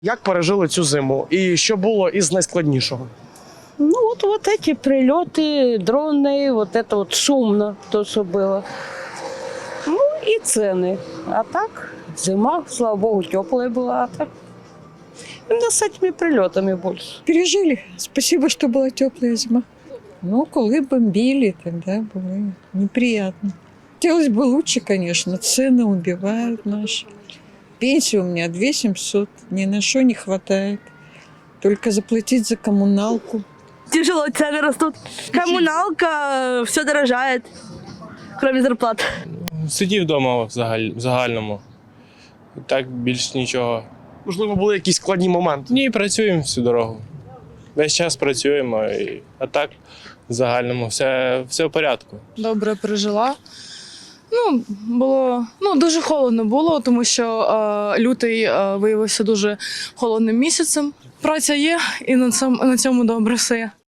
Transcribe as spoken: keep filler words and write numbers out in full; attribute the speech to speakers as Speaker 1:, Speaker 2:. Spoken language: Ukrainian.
Speaker 1: Як пережили цю зиму? І що було із найскладнішого?
Speaker 2: Ну вот, вот эти прилеты, дроны, вот это вот шумно, то, что было. Ну и цены. А так, зима, слава богу, теплая была. А так, именно с этими прилетами больше.
Speaker 3: Пережили. Спасибо, что была теплая зима. Ну, коли бомбили, тогда было неприятно. Хотелось бы лучше, конечно. Цены убивают наши. Пенсия у меня две семьсот. Ни на что не хватает. Только заплатить за коммуналку.
Speaker 4: Тяжело, цены растут. Коммуналка, все дорожает, кроме зарплат.
Speaker 5: Сидів вдома в загаль- в загальному. Так більш нічого.
Speaker 1: Можливо, були якісь складні моменти?
Speaker 5: Ні, працюємо всю дорогу. Весь час працюємо, і, а так в загальному все, все в порядку.
Speaker 6: Добре пережила. Ну, було ну, дуже холодно було, тому що е, лютий е, виявився дуже холодним місяцем. Праця є, і на цьому, на цьому добре все.